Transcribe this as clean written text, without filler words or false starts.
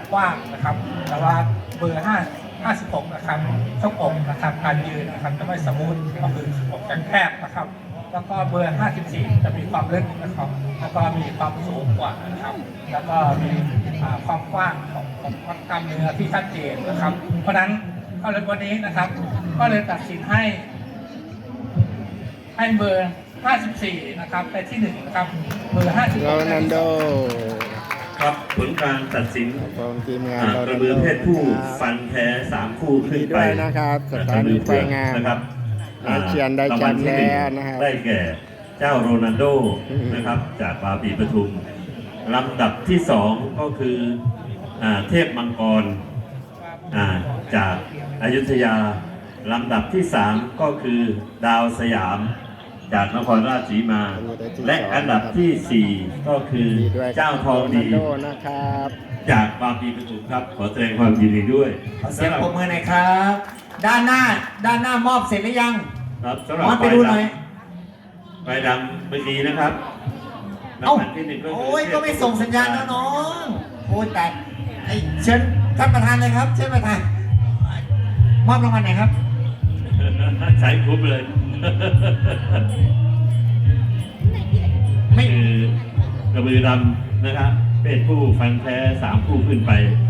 กว้างนะครับแต่ว่าเบอร์56นะครับช่องอกนะครับการยืนนะครับจะไม่สมูทก็คืออกจะแคบนะครับแล้วก็เบอร์54จะมีความลึกนะครับแล้วก็มีความสูงกว่านะครับแล้วก็มีความกว้างของกล้ามเนื้อที่ชัดเจนนะครับเพราะฉะนั้นก็เลยวันนี้นะครับก็เลยตัดสินให้เบอร์54นะครับในที่1นะครับเบอร์56 โรนัลโดครับผลการตัดสินของทีมงานกระบือเพศผู้ฟันแท้3 คู่ขึ้นไปด้วยนะครับสถานีไฟงามนะครับเชียนได้แชมป์แล้วนะครับได้แก่เจ้าโรนัลโดนะครับจากบาปีปทุมลำดับที่2ก็คือเทพมังกรจากอยุธยาลำดับที่3ก็คือดาวสยามจากนครราชสีมาและอันดับที่4ก็คือเจ้าทองดีนะครับจากบางปีปทุมครับขอแสดงความยินดีด้วยขอเสียงปรบมือหน่อยครับ ด้านหน้ามอบเสร็จหรือยังครับสำหรับมอสไปดูหน่อยไฟดำเมื่อกี้นะครับเอ้าลำดับที่1ก็คือโอ้ยก็ไม่ส่งสัญญาณนะน้องโอ้ยแต่เชิญท่านประธานเลยครับเชิญประธานมอบรางวัลไหนครับใช้คุ้มเลยไม่คือกระบือดำนะครับเป็นผู้ฟันแท้3 คู่ขึ้นไป